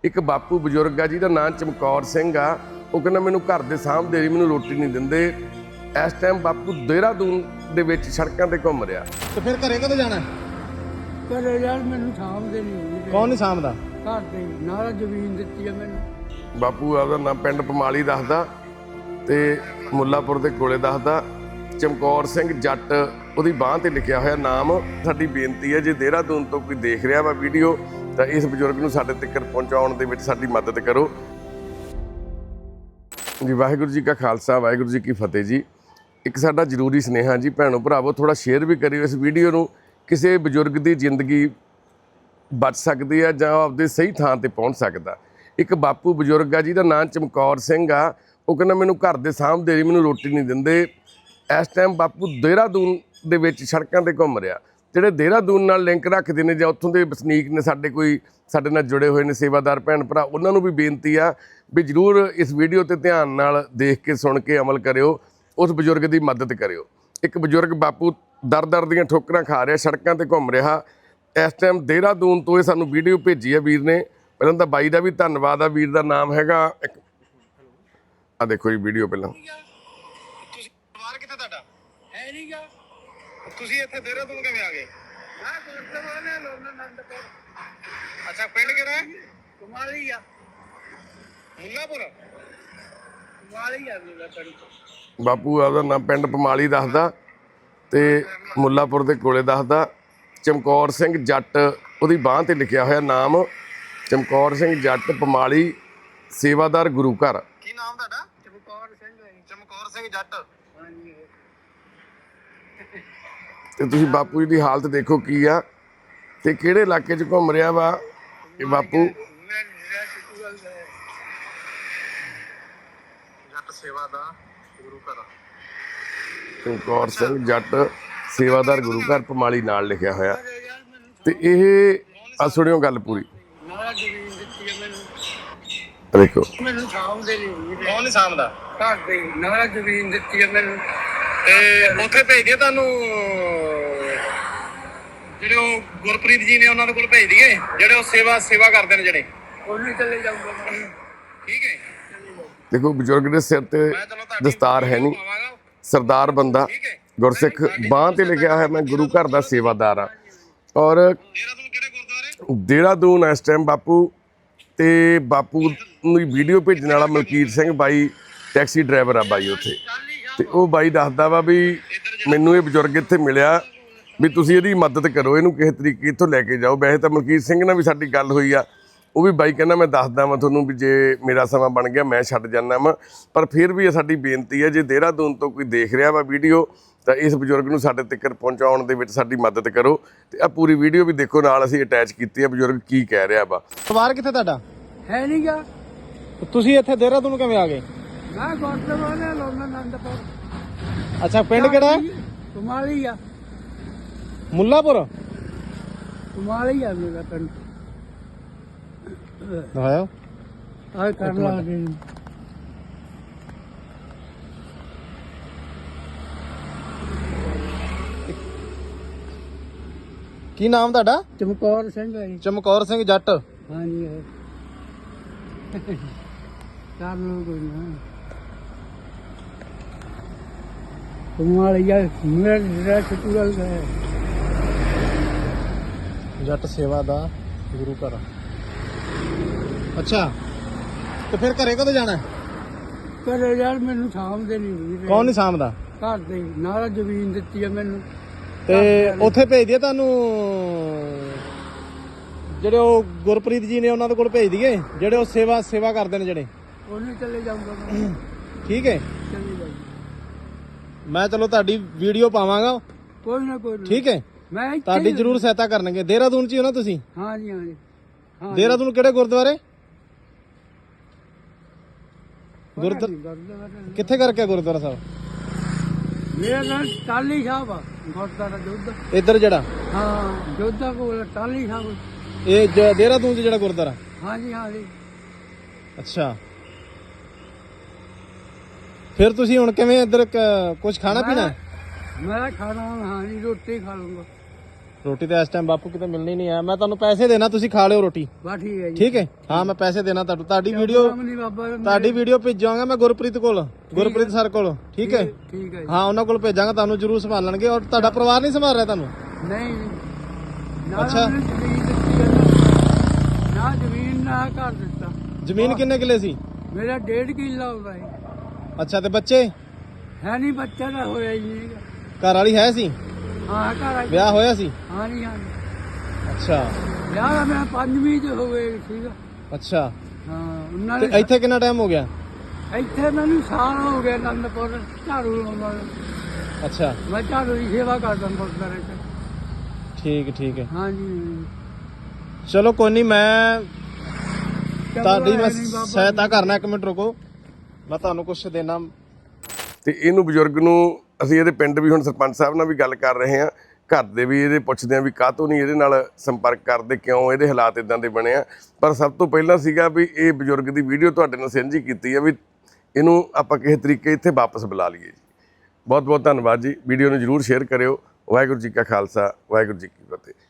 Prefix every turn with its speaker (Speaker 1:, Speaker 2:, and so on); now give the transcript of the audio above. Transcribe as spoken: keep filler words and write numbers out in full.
Speaker 1: ਇੱਕ ਬਾਪੂ ਬਜ਼ੁਰਗ ਆ ਜਿਹਦਾ ਨਾਂ ਚਮਕੌਰ ਸਿੰਘ ਆ। ਉਹ ਕਹਿੰਦਾ ਮੈਨੂੰ ਘਰ ਦੇ ਸਾਹਮਣੇ ਹੀ ਮੈਨੂੰ ਰੋਟੀ ਨਹੀਂ ਦਿੰਦੇ। ਇਸ ਟਾਈਮ ਬਾਪੂ ਦੇਹਰਾਦੂਨ ਦੇ ਵਿੱਚ ਸੜਕਾਂ ਤੇ ਘੁੰਮ ਰਿਹਾ।
Speaker 2: ਤੇ ਫਿਰ ਘਰੇ ਕਦੋਂ ਜਾਣਾ?
Speaker 3: ਘਰੇ ਯਾਰ ਮੈਨੂੰ ਸਾਂਭਦੇ ਨਹੀਂ।
Speaker 2: ਕੌਣ ਨਹੀਂ ਸਾਂਭਦਾ?
Speaker 3: ਘਰ ਦੇ ਨਾਲ ਜ਼ਮੀਨ ਦਿੱਤੀ ਆ ਮੈਨੂੰ।
Speaker 1: ਬਾਪੂ ਆਪਦਾ ਨਾਂ ਪਿੰਡ ਪਮਾਲੀ ਦੱਸਦਾ ਤੇ ਮੁੱਲਾਪੁਰ ਦੇ ਕੋਲੇ ਦੱਸਦਾ। ਚਮਕੌਰ ਸਿੰਘ ਜੱਟ ਉਹਦੀ ਬਾਂਹ ਤੇ ਲਿਖਿਆ ਹੋਇਆ ਨਾਮ। ਸਾਡੀ ਬੇਨਤੀ ਹੈ ਜੇ ਦੇਹਰਾਦੂਨ ਤੋਂ ਕੋਈ ਦੇਖ ਰਿਹਾ ਵਾ ਵੀਡੀਓ ਤਾਂ ਇਸ ਬਜ਼ੁਰਗ ਨੂੰ ਸਾਡੇ ਤੱਕ ਪਹੁੰਚਾਉਣ ਦੇ ਵਿੱਚ ਸਾਡੀ ਮਦਦ ਕਰੋ ਜੀ। ਵਾਹਿਗੁਰੂ ਜੀ ਕਾ ਖਾਲਸਾ, ਵਾਹਿਗੁਰੂ ਜੀ ਕੀ ਫਤਿਹ ਜੀ। ਇੱਕ ਸਾਡਾ ਜ਼ਰੂਰੀ ਸੁਨੇਹਾ ਜੀ, ਭੈਣੋ ਭਰਾਵੋ ਥੋੜਾ ਸ਼ੇਅਰ ਵੀ ਕਰਿਓ ਇਸ ਵੀਡੀਓ ਨੂੰ। ਕਿਸੇ ਬਜ਼ੁਰਗ ਦੀ ਜ਼ਿੰਦਗੀ ਬਚ ਸਕਦੀ ਹੈ ਜਾਂ ਆਪਦੇ ਸਹੀ ਥਾਂ ਤੇ ਪਹੁੰਚ ਸਕਦਾ। ਇੱਕ ਬਾਪੂ ਬਜ਼ੁਰਗ ਆ ਜਿਹਦਾ ਨਾਂ ਚਮਕੌਰ ਸਿੰਘ ਆ। ਉਹ ਕਹਿੰਦਾ ਮੈਨੂੰ ਘਰ ਦੇ ਸਾਹਮਣੇ ਮੈਨੂੰ ਰੋਟੀ ਨਹੀਂ ਦਿੰਦੇ। ਇਸ ਟਾਈਮ ਬਾਪੂ ਦੇਹਰਾਦੂਨ ਦੇ ਵਿੱਚ ਸੜਕਾਂ ਤੇ ਘੁੰਮ ਰਿਹਾ। ਜਿਹੜੇ ਦੇਹਰਾਦੂਨ ਨਾਲ ਲਿੰਕ ਰੱਖਦੇ ਨੇ ਜਾਂ ਉੱਥੋਂ ਦੇ ਵਸਨੀਕ ਨੇ, ਸਾਡੇ ਕੋਈ ਸਾਡੇ ਨਾਲ ਜੁੜੇ ਹੋਏ ਨੇ ਸੇਵਾਦਾਰ ਭੈਣ ਭਰਾ, ਉਹਨਾਂ ਨੂੰ ਵੀ ਬੇਨਤੀ ਆ ਵੀ ਜ਼ਰੂਰ ਇਸ ਵੀਡੀਓ ਤੇ ਧਿਆਨ ਨਾਲ ਦੇਖ ਕੇ ਸੁਣ ਕੇ ਅਮਲ ਕਰਿਓ, ਉਸ ਬਜ਼ੁਰਗ ਦੀ ਮਦਦ ਕਰਿਓ। ਇੱਕ ਬਜ਼ੁਰਗ ਬਾਪੂ ਦਰ ਦਰ ਦੀਆਂ ਠੋਕਰਾਂ ਖਾ ਰਿਹਾ, ਸੜਕਾਂ ਤੇ ਘੁੰਮ ਰਿਹਾ ਇਸ ਟਾਈਮ ਦੇਹਰਾਦੂਨ ਤੋਂ। ਇਹ ਸਾਨੂੰ ਵੀਡੀਓ ਭੇਜੀ ਆ ਵੀਰ ਨੇ। ਪਹਿਲਾਂ ਤਾਂ ਬਾਈ ਦਾ ਵੀ ਧੰਨਵਾਦ ਆ। ਵੀਰ ਦਾ ਨਾਮ ਹੈਗਾ, ਆ ਦੇਖੋ ਜੀ ਵੀਡੀਓ ਪਹਿਲਾਂ।
Speaker 2: ਤੁਸੀਂ ਪਰਿਵਾਰ ਕਿੱਥੇ ਤੁਹਾਡਾ?
Speaker 3: ਹੈ ਨਹੀਂ ਗਾ।
Speaker 2: ਤੁਸੀਂ ਇੱਥੇ ਦੇਹਰਾਦੂਨ ਕਿਵੇਂ ਆ ਗਏ?
Speaker 3: ਮੈਂ ਗੁਰਦੁਆਰਾ ਨੇ ਲੋਨ ਨੰਦਪੁਰ।
Speaker 2: ਅੱਛਾ, ਪਿੰਡ ਕਿਹੜਾ ਹੈ?
Speaker 3: ਕੁਮਾਰੀ ਆ।
Speaker 2: ਮੁੱਲਾਪੁਰ।
Speaker 3: ਕੁਮਾਰੀ ਆ ਮੇਰਾ ਪਿੰਡ।
Speaker 1: ਬਾਪੂ ਆਪਦਾ ਨਾਮ ਪਿੰਡ ਪਮਾਲੀ ਦੱਸਦਾ ਤੇ ਮੁੱਲਾਪੁਰ ਦੇ ਕੋਲੇ ਦੱਸਦਾ। ਚਮਕੌਰ ਸਿੰਘ ਜੱਟ ਉਹਦੀ ਬਾਂਹ ਤੇ ਲਿਖਿਆ ਹੋਇਆ ਨਾਮ। ਚਮਕੌਰ ਸਿੰਘ ਜੱਟ, ਪਮਾਲੀ, ਸੇਵਾਦਾਰ ਗੁਰੂ ਘਰ।
Speaker 2: ਕੀ ਨਾਮ ਤੁਹਾਡਾ?
Speaker 3: ਚਮਕੌਰ ਸਿੰਘ ਹੈ।
Speaker 2: ਚਮਕੌਰ ਸਿੰਘ ਜੱਟ।
Speaker 3: ਹਾਂਜੀ।
Speaker 1: ਤੇ ਤੁਸੀਂ ਬਾਪੂ ਜੀ ਦੀ ਹਾਲਤ ਦੇਖੋ ਕੀ ਆ ਤੇ ਕਿਹੜੇ ਇਲਾਕੇ 'ਚ ਘੁੰਮ ਰਿਹਾ ਵਾ ਇਹ ਬਾਪੂ।
Speaker 2: ਜੱਟ ਸੇਵਾ ਦਾ ਗੁਰੂ ਘਰ।
Speaker 1: ਚਮਕੌਰ ਸਿੰਘ ਜੱਟ, ਸੇਵਾਦਾਰ ਗੁਰੂ ਘਰ, ਪਮਾਲੀ ਨਾਲ ਲਿਖਿਆ ਹੋਇਆ। ਤੇ ਇਹ ਆ ਸੁਣਿਓ ਗੱਲ ਪੂਰੀ।
Speaker 3: ਨਾਲ ਜ਼ਮੀਨ ਦਿੱਤੀ ਆ ਮੈਨੂੰ।
Speaker 1: ਦੇਖੋ
Speaker 3: ਮੈਨੂੰ ਸਾਂਭਦੇ ਨਹੀਂ।
Speaker 2: ਕੌਣ ਨਹੀਂ ਸਾਂਭਦਾ?
Speaker 3: ਘਰ ਦੇ ਨਾਲ ਜ਼ਮੀਨ ਦਿੱਤੀ ਆ ਮੈਨੂੰ।
Speaker 2: ਤੇ ਉੱਥੇ ਭੇਜ ਦਈਏ ਤੁਹਾਨੂੰ, ਜਿਹੜੇ ਉਹ ਗੁਰਪ੍ਰੀਤ ਜੀ ਨੇ ਉਹਨਾਂ ਦੇ ਕੋਲ ਭੇਜ ਦਈਏ, ਜਿਹੜੇ ਉਹ ਸੇਵਾ ਸੇਵਾ ਕਰਦੇ ਨੇ ਜਿਹੜੇ।
Speaker 3: ਉਹਨੂੰ ਚਲੇ ਜਾਊਗਾ ਮੈਂ।
Speaker 2: ਠੀਕ ਹੈ।
Speaker 1: ਦੇਖੋ ਬਜ਼ੁਰਗ ਦੇ ਸਿਰ ਤੇ
Speaker 2: ਮੈਂ ਚਲੋ ਤੁਹਾਡੀ
Speaker 1: ਦਸਤਾਰ ਹੈ ਨਹੀਂ,
Speaker 2: ਪਾਵਾਂਗਾ।
Speaker 1: ਸਰਦਾਰ ਬੰਦਾ,
Speaker 2: ਠੀਕ ਹੈ।
Speaker 1: ਗੁਰਸਿੱਖ, ਬਾਂਹ ਤੇ ਲਿਖਿਆ ਹੋਇਆ ਮੈਂ ਗੁਰੂ ਘਰ ਦਾ ਸੇਵਾਦਾਰ ਆ। ਔਰ
Speaker 2: ਦੇਹਰਾਦੂਨ ਕਿਹੜੇ ਗੁਰਦੁਆਰੇ?
Speaker 1: ਦੇਹਰਾਦੂਨ ਇਸ ਟਾਈਮ ਬਾਪੂ ਤੇ ਬਾਪੂ ਨੂੰ ਵੀਡੀਓ ਭੇਜਣ ਵਾਲਾ ਮਲਕੀਤ ਸਿੰਘ ਬਾਈ ਟੈਕਸੀ ਡਰਾਈਵਰ ਆ ਬਾਈ ਉੱਥੇ। ਤੇ ਉਹ ਬਾਈ ਦੱਸਦਾ ਵਾ ਵੀ ਮੈਨੂੰ ਇਹ ਬਜ਼ੁਰਗ ਇੱਥੇ ਮਿਲਿਆ ਵੀ ਤੁਸੀਂ ਇਹਦੀ ਮਦਦ ਕਰੋ, ਇਹਨੂੰ ਕਿਸੇ ਤਰੀਕੇ ਇੱਥੋਂ ਲੈ ਕੇ ਜਾਓ। ਵੈਸੇ ਤਾਂ ਮਲਕੀਤ ਸਿੰਘ ਨਾਲ ਵੀ ਸਾਡੀ ਗੱਲ ਹੋਈ ਆ। ਉਹ ਵੀ ਬਾਈ ਕਹਿੰਦਾ ਮੈਂ ਦੱਸਦਾ ਵਾਂ ਤੁਹਾਨੂੰ ਵੀ ਜੇ ਮੇਰਾ ਸਮਾਂ ਬਣ ਗਿਆ ਮੈਂ ਛੱਡ ਜਾਂਦਾ ਵਾਂ। ਪਰ ਫਿਰ ਵੀ ਇਹ ਸਾਡੀ ਬੇਨਤੀ ਹੈ ਜੇ ਦੇਹਰਾਦੂਨ ਤੋਂ ਕੋਈ ਦੇਖ ਰਿਹਾ ਵਾ ਵੀਡੀਓ ਤਾਂ ਇਸ ਬਜ਼ੁਰਗ ਨੂੰ ਸਾਡੇ ਤੱਕ ਪਹੁੰਚਾਉਣ ਦੇ ਵਿੱਚ ਸਾਡੀ ਮਦਦ ਕਰੋ। ਤੇ ਆ ਪੂਰੀ ਵੀਡੀਓ ਵੀ ਦੇਖੋ, ਨਾਲ ਅਸੀਂ ਅਟੈਚ ਕੀਤੀ ਆ ਬਜ਼ੁਰਗ ਕੀ ਕਹਿ ਰਿਹਾ ਵਾ।
Speaker 2: ਪਰਿਵਾਰ ਕਿੱਥੇ ਤੁਹਾਡਾ?
Speaker 3: ਹੈ ਨਹੀਂ ਗਾ।
Speaker 2: ਤੁਸੀਂ ਇੱਥੇ ਦੇਹਰਾਦੂਨ ਕਿਵੇਂ ਆ ਗਏ?
Speaker 3: ਮੈਂ ਗੁਰਦੁਆਰਾ ਨੇ ਲੋਨ ਨੰਦਪੁਰ।
Speaker 2: ਅੱਛਾ, ਪਿੰਡ ਕਿਹੜਾ ਹੈ?
Speaker 3: ਕੁਮਾਰੀ ਆ।
Speaker 2: ਮੁੱਲਾਪੁਰ।
Speaker 3: ਕੁਮਾਰੀ ਆ ਮੇਰਾ ਪਿੰਡ।
Speaker 2: ਦਿਖਾਓ।
Speaker 3: ਆ ਕਰ ਲਾ ਦੇ।
Speaker 2: ਕੀ ਨਾਮ ਤੁਹਾਡਾ?
Speaker 3: ਚਮਕੌਰ ਸਿੰਘ ਹੈ ਜੀ।
Speaker 2: ਚਮਕੌਰ ਸਿੰਘ ਜੱਟ।
Speaker 3: ਹਾਂਜੀ ਹੈ। ਕਰ ਲਓ ਕੋਈ ਨਾ। ਕੁਮਾਰੀ ਆ ਮੇਰਾ ਜਿਹੜਾ ਚਤੁਰਲ ਹੈ।
Speaker 2: ਜੱਟ ਸੇਵਾ ਦਾ ਗੁਰੂ ਘਰ। ਅੱਛਾ, ਤੇ ਫਿਰ ਘਰੇ ਕਦੋਂ ਜਾਣਾ?
Speaker 3: ਘਰੇ ਯਾਰ ਮੈਨੂੰ ਸਾਂਭਦੇ ਨਹੀਂ।
Speaker 2: ਕੌਣ ਨਹੀਂ ਸਾਂਭਦਾ?
Speaker 3: ਘਰ ਦੇ ਨਾਲ ਜ਼ਮੀਨ ਦਿੱਤੀ ਆ ਮੈਨੂੰ।
Speaker 2: ਤੇ ਉੱਥੇ ਭੇਜ ਦਈਏ ਤੁਹਾਨੂੰ, ਜਿਹੜੇ ਉਹ ਗੁਰਪ੍ਰੀਤ ਜੀ ਨੇ ਉਹਨਾਂ ਦੇ ਕੋਲ ਭੇਜ ਦਈਏ, ਜਿਹੜੇ ਉਹ ਸੇਵਾ ਸੇਵਾ ਕਰਦੇ ਨੇ ਜਿਹੜੇ।
Speaker 3: ਉਹਨੂੰ ਚਲੇ ਜਾਊਗਾ ਮੈਂ।
Speaker 2: ਠੀਕ ਹੈ।
Speaker 3: ਚਲੇ ਜਾਊਗਾ।
Speaker 2: ਮੈਂ ਚਲੋ ਤੁਹਾਡੀ ਵੀਡੀਓ ਪਾਵਾਂਗਾ।
Speaker 3: ਕੋਈ ਨਾ ਕੋਈ ਨਾ।
Speaker 2: ਠੀਕ ਹੈ।
Speaker 3: ਮੈਂ ਇੱਥੇ
Speaker 2: ਤੁਹਾਡੀ
Speaker 3: ਹੀ-
Speaker 2: ਜ਼ਰੂਰ ਸਹਾਇਤਾ ਕਰਨਗੇ। ਦੇਹਰਾਦੂਨ ਚ ਹੀ ਹੋ ਨਾ ਤੁਸੀਂ?
Speaker 3: ਹਾਂਜੀ ਹਾਂਜੀ। ਹਾਂ
Speaker 2: ਦੇਹਰਾਦੂਨ ਕਿਹੜੇ ਗੁਰਦੁਆਰੇ? ਗੁਰਦੁਆਰਾ
Speaker 3: ਗੁਰਦੁਆਰਾ
Speaker 2: ਕਿੱਥੇ ਕਰਕੇ ਗੁਰਦੁਆਰਾ ਸਾਹਿਬ?
Speaker 3: ਮੇਰਾ ਨਾਮ ਟਾਲੀ ਸਾਹਿਬ ਆ। ਗੁਰਦੁਆਰਾ ਜੋਧਾ।
Speaker 2: ਇੱਧਰ ਜਿਹੜਾ
Speaker 3: ਹਾਂ ਜੋਧਾ ਕੋਲ ਟਾਲੀ ਸਾਹਿਬ।
Speaker 2: ਇਹ ਜ- ਦੇਹਰਾਦੂਨ ਚ ਜਿਹੜਾ ਗੁਰਦੁਆਰਾ?
Speaker 3: ਹਾਂਜੀ ਹਾਂਜੀ।
Speaker 2: ਅੱਛਾ, ਫਿਰ ਤੁਸੀਂ ਹੁਣ ਕਿਵੇਂ ਇੱਧਰ ਕੁਝ ਖਾਣਾ ਪੀਣਾ?
Speaker 3: ਮੈਂ ਖਾਣਾ ਹਾਂਜੀ ਰੋਟੀ ਖਾ ਲੂੰਗਾ।
Speaker 2: ਰੋਟੀ ਤਾਂ ਇਸ ਟਾਈਮ ਬਾਪੂ ਕਿਤੇ ਮਿਲਣੀ ਨਹੀਂ ਆ। ਮੈਂ ਤੁਹਾਨੂੰ ਪੈਸੇ ਦੇਣਾ, ਤੁਸੀਂ ਖਾ ਲਿਓ ਰੋਟੀ,
Speaker 3: ਬਸ ਠੀਕ ਹੈ ਜੀ।
Speaker 2: ਠੀਕ ਹੈ? ਹਾਂ ਮੈਂ ਪੈਸੇ ਦੇਣਾ ਤੁਹਾਨੂੰ। ਤੁਹਾਡੀ ਵੀਡੀਓ
Speaker 3: ਨਹੀਂ ਬਾਬਾ
Speaker 2: ਤੁਹਾਡੀ ਵੀਡੀਓ ਭੇਜਾਂਗਾ ਮੈਂ ਗੁਰਪ੍ਰੀਤ ਕੋਲ, ਗੁਰਪ੍ਰੀਤ ਸਰ ਕੋਲ, ਠੀਕ ਹੈ?
Speaker 3: ਠੀਕ ਹੈ ਜੀ।
Speaker 2: ਹਾਂ ਉਹਨਾਂ ਕੋਲ ਭੇਜਾਂਗਾ, ਤੁਹਾਨੂੰ ਜ਼ਰੂਰ ਸੰਭਾਲਣਗੇ। ਔਰ ਤੁਹਾਡਾ ਪਰਿਵਾਰ ਨਹੀਂ ਸੰਭਾਲ ਰਿਹਾ ਤੁਹਾਨੂੰ?
Speaker 3: ਨਹੀਂ ਨਾ
Speaker 2: ਅੱਛਾ।
Speaker 3: ਮੈਨੂੰ ਜ਼ਮੀਨ ਦਿੱਤੀ ਹੈ ਨਾ, ਨਾ ਜ਼ਮੀਨ ਨਾ ਘਰ ਦਿੱਤਾ।
Speaker 2: ਜ਼ਮੀਨ ਕਿੰਨੇ ਕਿੱਲੇ ਸੀ?
Speaker 3: ਮੇਰਾ ਡੇਢ ਕਿੱਲਾ ਹੁੰਦਾ ਹੈ।
Speaker 2: ਅੱਛਾ, ਤੇ ਬੱਚੇ?
Speaker 3: ਹੈ ਨਹੀਂ, ਬੱਚਾ ਤਾਂ ਹੋਇਆ ਹੀ ਨਹੀਂ।
Speaker 2: ਘਰ ਵਾਲੀ ਹੈ ਸੀ?
Speaker 3: ਹਾਂ ਘਰ ਆ।
Speaker 2: ਵਿਆਹ ਹੋਇਆ ਸੀ?
Speaker 3: ਹਾਂ ਨਹੀਂ ਹਾਂ
Speaker 2: ਅੱਛਾ
Speaker 3: ਵਿਆਹ ਦਾ ਮੈਂ ਪੰਜਵੀਂ ਚ ਹੋ ਗਏ ਸੀਗਾ।
Speaker 2: ਅੱਛਾ,
Speaker 3: ਹਾਂ ਉਹਨਾਂ
Speaker 2: ਤੇ
Speaker 3: ਨੇ
Speaker 2: ਇੱਥੇ ਕਿੰਨਾ ਟਾਈਮ ਹੋ ਗਿਆ?
Speaker 3: ਇੱਥੇ ਮੈਨੂੰ ਸਾਲ ਹੋ ਗਿਆ ਅਨੰਦਪੁਰ ਝਾੜੂ ਲਾਉਂਦਾ ਨੂੰ।
Speaker 2: ਅੱਛਾ
Speaker 3: ਮੈਂ ਝਾੜੂ ਦੀ ਸੇਵਾ ਕਰਦਾ ਗੁਰਦੁਆਰੇ ਚ।
Speaker 2: ਠੀਕ ਠੀਕ ਹੈ,
Speaker 3: ਹਾਂਜੀ
Speaker 2: ਚਲੋ ਕੋਈ ਨਹੀਂ, ਮੈਂ ਤੁਹਾਡੀ ਮੈਂ
Speaker 3: ਨਹੀਂ ਬਾਬਾ
Speaker 2: ਸਹਾਇਤਾ ਕਰਨਾ। ਇੱਕ ਮਿੰਟ ਰੁਕੋ, ਮੈਂ ਤੁਹਾਨੂੰ ਕੁਛ ਦੇਣਾ।
Speaker 1: ਤੇ ਇਹਨੂੰ ਬਜ਼ੁਰਗ ਨੂੰ ਅਸੀਂ ਇਹਦੇ ਪਿੰਡ ਵੀ ਹੁਣ ਸਰਪੰਚ ਸਾਹਿਬ ਨਾਲ ਵੀ ਗੱਲ ਕਰ ਰਹੇ ਹਾਂ, ਘਰ ਦੇ ਵੀ ਇਹਦੇ ਪੁੱਛਦੇ ਆ ਵੀ ਕਾਹਤੋਂ ਨਹੀਂ ਇਹਦੇ ਨਾਲ ਸੰਪਰਕ ਕਰਦੇ, ਕਿਉਂ ਇਹਦੇ ਹਾਲਾਤ ਇਦਾਂ ਦੇ ਬਣੇ ਆ। ਪਰ ਸਭ ਤੋਂ ਪਹਿਲਾਂ ਸੀਗਾ ਵੀ ਇਹ ਬਜ਼ੁਰਗ ਦੀ ਵੀਡੀਓ ਤੁਹਾਡੇ ਨਾਲ ਸਾਂਝੀ ਕੀਤੀ ਆ ਵੀ ਇਹਨੂੰ ਆਪਾਂ ਕਿਸੇ ਤਰੀਕੇ ਇੱਥੇ ਵਾਪਸ ਬੁਲਾ ਲਈਏ ਜੀ। ਬਹੁਤ ਬਹੁਤ ਧੰਨਵਾਦ ਜੀ। ਵੀਡੀਓ ਨੂੰ ਜ਼ਰੂਰ ਸ਼ੇਅਰ ਕਰਿਓ। ਵਾਹਿਗੁਰੂ ਜੀ ਕਾ ਖਾਲਸਾ, ਵਾਹਿਗੁਰੂ ਜੀ ਕੀ ਫਤਿਹ।